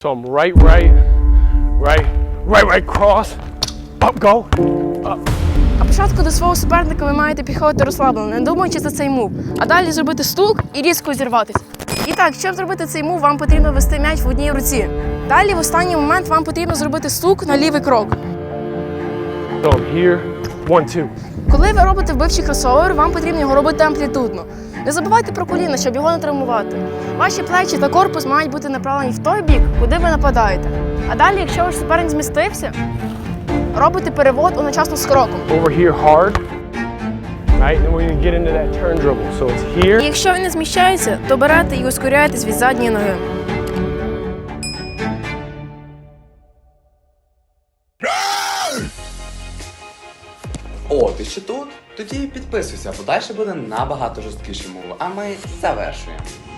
So I'm right, cross, up, go, up. А початку до свого суперника ви маєте підходити розслаблено, не думаючи за цей мув. А далі зробити стук і різко зірватися. І так, щоб зробити цей мув, вам потрібно вести м'яч в одній руці. Далі в останній момент вам потрібно зробити стук на лівий крок. So I'm here, 1, 2. Коли ви робите вбивчий кросовер, вам потрібно його робити амплітудно. Не забувайте про коліна, щоб його не травмувати. Ваші плечі та корпус мають бути направлені в той бік, куди ви нападаєте. А далі, якщо ваш суперник змістився, робите перевод одночасно з кроком. Over here hard, right? And then we're gonna get into that turn dribble. So it's І here. якщо він не зміщається, то берете і ускоряєтесь від задньої ноги. О, ти ще тут? Тоді підписуйся, бо далі буде набагато жорсткіші мови, а ми завершуємо.